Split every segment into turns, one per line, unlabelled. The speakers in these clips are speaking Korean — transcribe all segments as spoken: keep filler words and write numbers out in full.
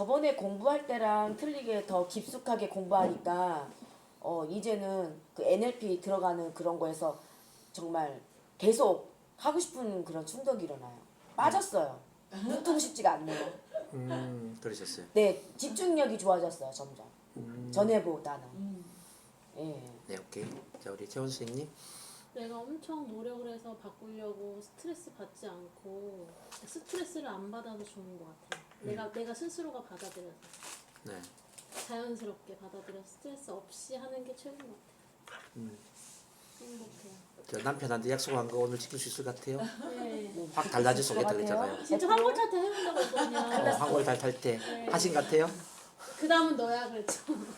저번에 공부할 때랑 틀리게 더 깊숙하게 공부하니까 어 이제는 그 엔엘피 들어가는 그런 거에서 정말 계속 하고 싶은 그런 충동이 일어나요. 빠졌어요. 눈 뜨고 싶지가 않네요.
음, 그러셨어요.
네, 집중력이 좋아졌어요, 점점.
음.
전에보다는.
음.
예.
네, 오케이. 자, 우리 채원 선생님.
내가 엄청 노력을 해서 바꾸려고 스트레스 받지 않고 스트레스를 안 받아서 좋은 것 같아요. 내가 내가 스스로가 받아들여서
네.
자연스럽게 받아들여 스트레스 없이 하는 게 최고인 것 같아요.
음.
행복해요.
저 남편한테 약속한 거 오늘 지킬 수 있을 것 같아요.
네.
확 달라질 수 있겠다
같아요?
그랬잖아요.
진짜 황골 탈때 해본다고 했거든요.
어, 한골 달탈 때
네.
하신 것 같아요.
그 다음은 너야 그랬죠.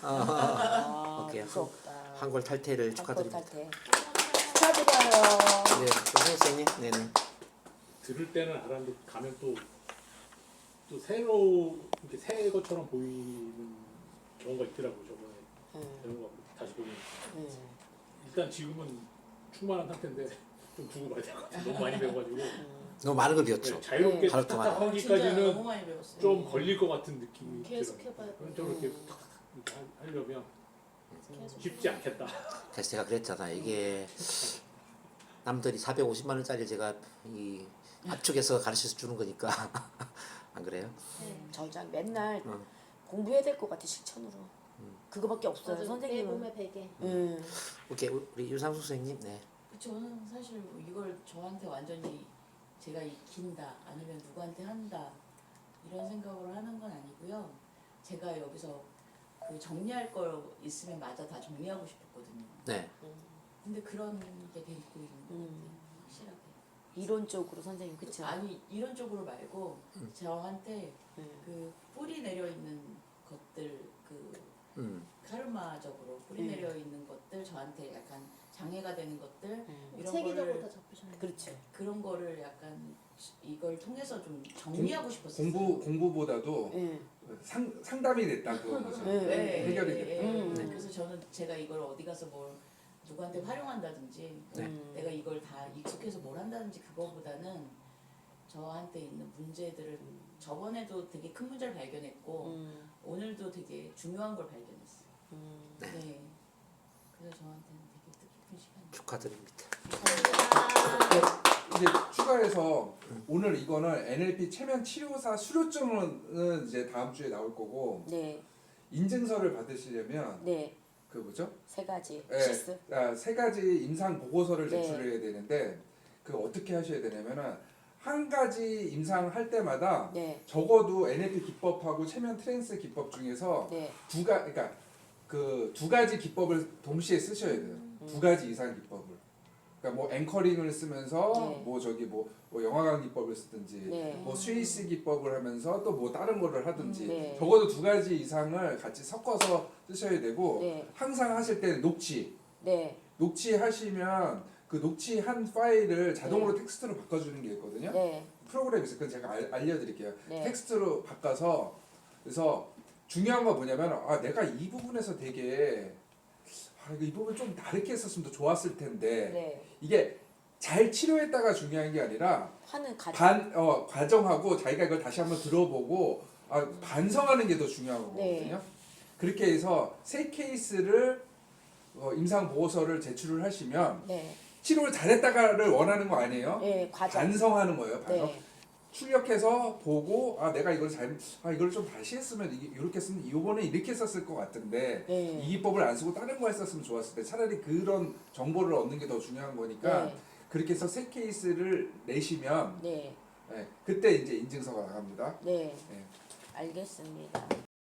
아,
오케이.
무섭다.
한골 탈퇴를
한골
축하드립니다.
탈퇴. 축하드려요.
네, 또 선생님. 네네.
들을 때는 알았는데 가면 또, 또 새로 이렇게 새 것처럼 보이는 경우가 있더라고요. 저번에
음,
배운 거 다시 보면
음.
일단 지금은 충만한 상태인데 좀 두고 봐야 될 것 같아요. 너무 많이 배워가지고
너무 많은 걸 배웠죠.
네, 자유롭게
하루 동안.
진짜
탁탁하기까지는
너무 많이 배웠어요.
좀 걸릴 것 같은 느낌이
계속
들어요.
해봐야 돼.
그런 쪽으로 이렇게 탁탁 이렇게 하- 하려면
계속
쉽지 않겠다.
그래서 제가 그랬잖아요. 이게 남들이 사백오십만 원짜리 제가 이 압축해서 가르쳐 주는 거니까 안 그래요?
네.
저장 맨날
어.
공부해야 될 것 같아, 실천으로. 그거밖에 없어요,
맞아. 내
선생님은.
몸에 베개.
음.
오케이, 우리 유상수 선생님. 네.
저는 사실 뭐 이걸 저한테 완전히 제가 익힌다 아니면 누구한테 한다 이런 생각을 하는 건 아니고요. 제가 여기서 그 정리할 거 있으면 마저 다 정리하고 싶었거든요.
네.
근데 그런 게 되고 있는 것 같아요.
음.
확실하게.
이론적으로 선생님, 그쵸?
아니 이런 쪽으로 말고
음.
저한테
음.
그 뿌리 내려 있는 것들 그
음.
카르마적으로 뿌리
음.
내려 있는 것들 저한테 약간 장애가 되는 것들
음.
이런
체계적으로
거를
다 잡히셨네요.
그렇죠.
그런 거를 약간 이걸 통해서 좀 정리하고 싶었어요.
공부 공부보다도
예.
상 상담이 됐다 그런 거죠.
네.
네,
해결이
네,
됐다.
네.
음.
그래서 저는 제가 이걸 어디 가서 뭘 누구한테 활용한다든지
네.
음.
내가 이걸 다 익숙해서 뭘 한다든지 그거보다는 저한테 있는 문제들을 저번에도 되게 큰 문제를 발견했고
음.
오늘도 되게 중요한 걸 발견했어요.
음.
네.
네. 그래서 저한테는 되게 뜻깊은 시간이에요.
축하드립니다.
감사합니다.
이제 추가해서 오늘 이거는 엔엘피 체면 치료사 수료증은 이제 다음 주에 나올 거고
네.
인증서를 받으시려면
네.
그 뭐죠?
세 가지.
네.
실습.
아, 세 가지 임상 보고서를
네.
제출해야 되는데 그 어떻게 하셔야 되냐면은 한 가지 임상할 때마다
네.
적어도 엔엘피 기법하고 체면 트랜스 기법 중에서
네.
두가 그러니까 그 두 가지 기법을 동시에 쓰셔야 돼요.
음.
두 가지 이상 기법을. 그러니까 뭐 앵커링을 쓰면서
네.
뭐 저기 뭐, 뭐 영화관 기법을 쓰든지
네.
뭐 스위스 기법을 하면서 또 뭐 다른 거를 하든지
네.
적어도 두 가지 이상을 같이 섞어서 쓰셔야 되고
네.
항상 하실 때는 녹취
네.
녹취하시면 그 녹취한 파일을 자동으로 텍스트로 바꿔주는 게 있거든요.
네.
프로그램이 있어요. 그건 제가 알, 알려드릴게요.
네.
텍스트로 바꿔서 그래서 중요한 건 뭐냐면 아 내가 이 부분에서 되게 아 이거 이 부분 좀 다르게 했었으면 더 좋았을 텐데
네.
이게 잘 치료했다가 중요한 게 아니라
하는 가정.
반 어 과정하고 자기가 이걸 다시 한번 들어보고 아 반성하는 게 더 중요한 거거든요.
네.
그렇게 해서 세 케이스를 어, 임상 보고서를 제출을 하시면
네.
치료를 잘했다가를 원하는 거 아니에요?
네. 과정.
반성하는 거예요. 반성.
네.
출력해서 보고 아 내가 이걸 잘 아 이걸 좀 다시 했으면 이게 이렇게 쓰면 이번에 이렇게 썼을 것 같은데
네.
이 기법을 안 쓰고 다른 거 했었으면 좋았을 때 차라리 그런 정보를 얻는 게 더 중요한 거니까
네.
그렇게 해서 세 케이스를 내시면
네.
예, 그때 이제 인증서가 나갑니다.
네.
예.
알겠습니다.